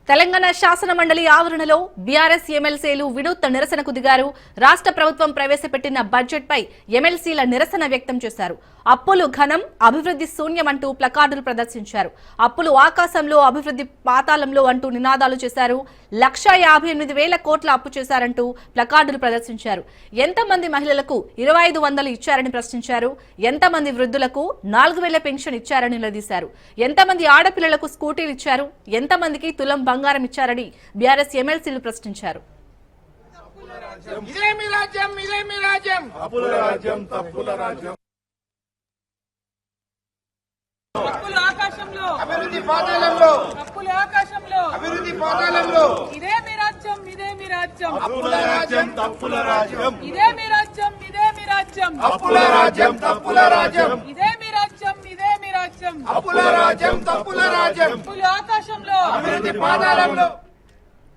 తెలంగాణ శాసన మండలి ఆవరణలో బీఆర్ఎస్ ఎమ్మెల్సీలు వినూత్న నిరసనకు దిగారు. రాష్ట్ర ప్రభుత్వం ప్రవేశపెట్టిన బడ్జెట్ పై ఎమ్మెల్సీల నిరసన వ్యక్తం చేశారు. అప్పులు ఘనం, అభివృద్ధి శూన్యమంటూ ప్లకార్డులు ప్రదర్శించారు. అప్పులు ఆకాశంలో, అభివృద్ధి పాతాళంలో అంటూ నినాదాలు చేశారు. 1,58,000 కోట్ల అప్పు చేశారంటూ ప్లకార్డులు ప్రదర్శించారు. ఎంతమంది మహిళలకు 2,500 ఇచ్చారని ప్రశ్నించారు. ఎంతమంది వృద్ధులకు 4,000 పెన్షన్ ఇచ్చారని నిలదీశారు. ఎంతమంది ఆడపిల్లలకు స్కూటీలు ఇచ్చారు, ఎంతమందికి తులం బంగారం ఇచ్చారని బీఆర్ఎస్ ఎమ్మెల్సీలు ప్రశ్నించారు. అప్పులు ఆకాశంలో, అభివృద్ధి పాతాళంలో, అప్పులు ఆకాశంలో, అభివృద్ధి పాతాళంలో. ఇదే మీ రాజ్యం, ఇదే మీ రాజ్యం, అప్పుల రాజ్యం, తప్పుల రాజ్యం. ఇదే మీ రాజ్యం, ఇదే మీ రాజ్యం, అప్పుల రాజ్యం, తప్పుల రాజ్యం. ఇదే మీ రాజ్యం, ఇదే మీ రాజ్యం, అప్పుల రాజ్యం, తప్పుల రాజ్యం. అప్పులు ఆకాశంలో, అభివృద్ధి పాతాళంలో.